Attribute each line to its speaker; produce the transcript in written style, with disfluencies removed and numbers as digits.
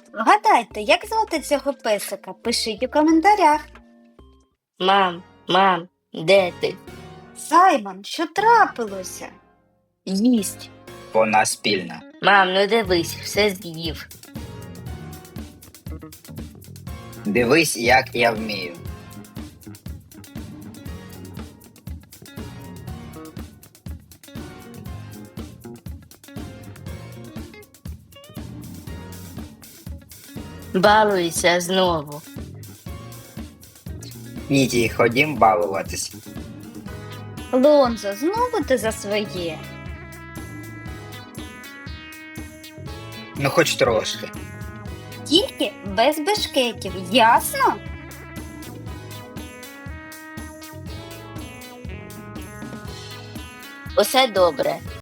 Speaker 1: Вгадайте, як звати цього песика? Пишіть у коментарях.
Speaker 2: Мам, де ти?
Speaker 1: Саймон, що трапилося?
Speaker 2: Їсть.
Speaker 3: Вона спільна.
Speaker 2: Мам, ну дивись, все з'їв.
Speaker 3: Дивись, як я вмію.
Speaker 2: Балується знову.
Speaker 3: Іді, ходім балуватись.
Speaker 1: Лонзо, знову ти за своє.
Speaker 3: Ну хоч трошки.
Speaker 1: Тільки без бешкетів, ясно?
Speaker 2: Усе добре.